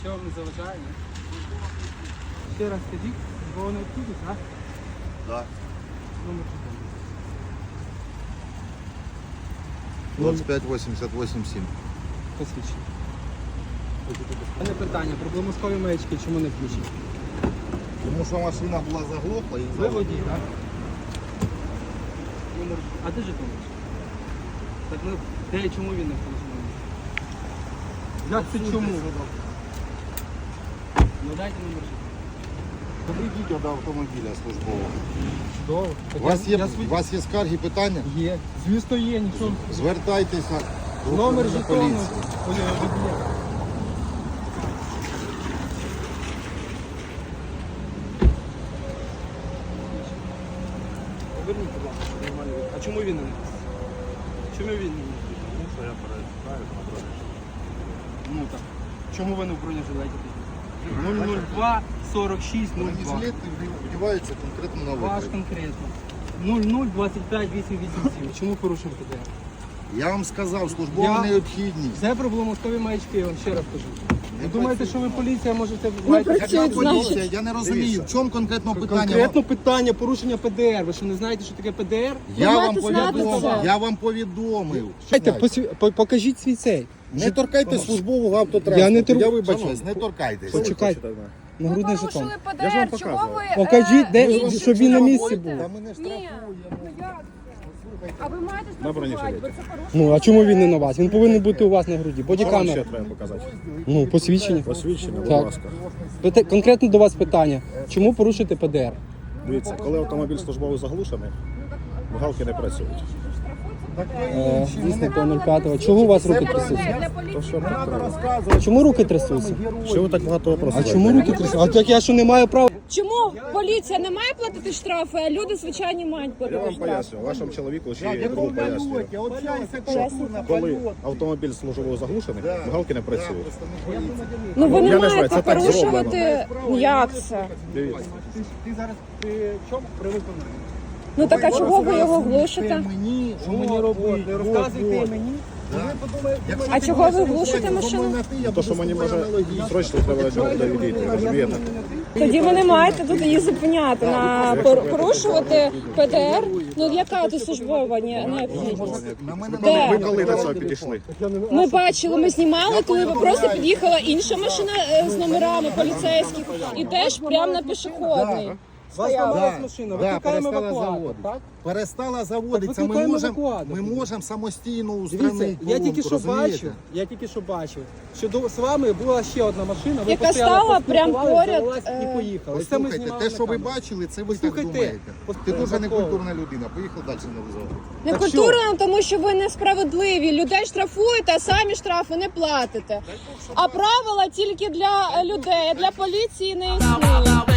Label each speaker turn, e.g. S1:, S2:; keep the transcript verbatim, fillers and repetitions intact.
S1: Що вам не заважає, ні? Ще раз скажіть, бо вони відкрутять, так?
S2: Так.
S1: Номер телефону.
S2: двадцять п'ять вісімдесят вісім сім.
S1: Посвідчення. У мене питання, проблемоскові маячки чому не включені?
S2: Тому що машина була заглохла і
S1: Ви водій, так? Номер... А де жетон? Так ну, де і чому він не включений? Як це чому? Ну дайте номер жетону.
S2: Підійдіть до автомобіля службового.
S1: Чудово.
S2: У вас є, у вас є скарги, питання?
S1: Є. Звісно є, нічого.
S2: Звертайтеся до
S1: Номер
S2: управління
S1: жетону.
S2: поліції.
S1: Ой, водія. Поверніть, будь ласка, щоб нормально видно. А чому він не написав? Чому він не написав?
S2: Тому що я перестаю на дорозі.
S1: Ну так. Чому ви не в бронежилеті? нуль нуль два сорок шість нуль два.
S2: Бронежилет вдівається конкретно на
S1: Ваш
S2: виклик.
S1: конкретно. нуль нуль двадцять п'ять вісім вісім сім. Чому порушив ПДР?
S2: Я вам сказав, службова
S1: Я-
S2: необхідність.
S1: Це проблемоскові маячки, я вам ще раз кажу. Ви
S2: Не
S1: думаєте, що ви поліція можете... маєте-
S2: Яка
S3: працюють,
S2: поліція?
S3: значить.
S2: Я не розумію, в чому конкретно питання.
S1: Конкретно питання порушення ПДР. Ви що не знаєте, що таке ПДР?
S2: Я
S3: Ви
S2: вам
S3: маєте знати
S2: повідомив.
S3: це.
S2: Я вам повідомив.
S1: Дайте, посві- по- покажіть свій цей.
S2: Не торкайте службового автотранспорту.
S1: Я не тор-
S2: Я вибачаюсь, не торкайтесь.
S1: Почекайте. Нагрудний
S3: Ви
S1: жетон.
S3: порушили ПДР, чого ви...
S1: Покажіть,
S3: е,
S1: де-
S3: інші
S1: щоб він на місці
S3: штрафуєте?
S1: був.
S2: Та ми не
S3: Ні,
S2: штрафуємо.
S3: ну як це? А ви маєте штрафувати, ви це порушили.
S1: Ну, а чому він не на вас? Він повинен бути у вас на груді.
S4: Що
S1: Бодікамера.
S4: треба показати?
S1: Ну, посвідчення.
S4: Посвідчення, будь
S1: Так.
S4: ласка.
S1: Пита- Конкретно до вас питання. Чому порушити ПДР?
S4: Дивіться, коли автомобіль службовий заглушений, галки не працюють.
S1: Е, Дійсно, по нуль п'ять. Чого у вас руки трясуться?
S3: Для
S4: То
S3: поліції
S4: що нам треба?
S1: А чому руки трясуться?
S4: Що ви так багато
S1: А
S4: вопросів?
S1: чому руки трясуться? А так я що не маю права?
S3: Чому поліція не має платити штрафи, а люди звичайні мають
S4: Я
S3: платити
S4: вам
S3: штрафи?
S4: пояснюю, вашому чоловіку ще є другу пояснюю. Коли автомобіль службовий заглушений, галки не працюють.
S3: Ну ви
S4: Я
S3: не
S4: не знаю,
S3: маєте
S4: це так
S3: порушувати. Як це?
S4: Дивіться.
S1: Ти зараз при чому? При виконанні.
S3: Ну так а чого ви його глушите?
S2: Мені,
S1: Що мені робити? Не розказуйте мені. Ви подумаєте,
S3: А чого ви глушите машину?
S4: То, що мені може срочно треба до відійти, розумієте?
S3: Тоді ви не маєте тут її зупиняти, на пор- порушувати ПДР. Ну яка тут службова не- необхідність?
S2: На мене
S3: Де?
S4: Ви коли до цього підійшли?
S3: Ми бачили, ми знімали, коли ви просто під'їхала інша машина е, з номерами поліцейських і теж прямо на пішохідний.
S1: вас
S3: Стояла.
S1: ламалась машина,
S2: Да,
S1: викликаємо
S2: перестала
S1: евакуатор,
S2: заводити.
S1: так?
S2: перестала заводитися.
S1: Так
S2: Ми
S1: викликаємо
S2: можемо
S1: евакуатор.
S2: ми можемо самостійно
S1: Дивіться,
S2: устранити
S1: я тільки
S2: поломку,
S1: що
S2: розумієте?
S1: бачив, я тільки що бачив, що до, з вами була ще одна машина, ви
S3: Яка
S1: постояли,
S3: стала прям
S1: поспілкувались,
S3: поряд,
S1: завелась
S3: е,
S1: і поїхали. Це ми
S2: Послухайте,
S1: знімали
S2: те,
S1: на
S2: що ви
S1: камеру.
S2: бачили, це ви так
S1: Послухайте,
S2: думаєте. Ти дуже
S1: Такого.
S2: некультурна людина. Поїхав далі на визов.
S3: Не
S1: Так
S3: культурно, тому що ви несправедливі. Людей штрафуєте, а самі штрафи не платите. А правила тільки для е, людей, а для поліції не існують.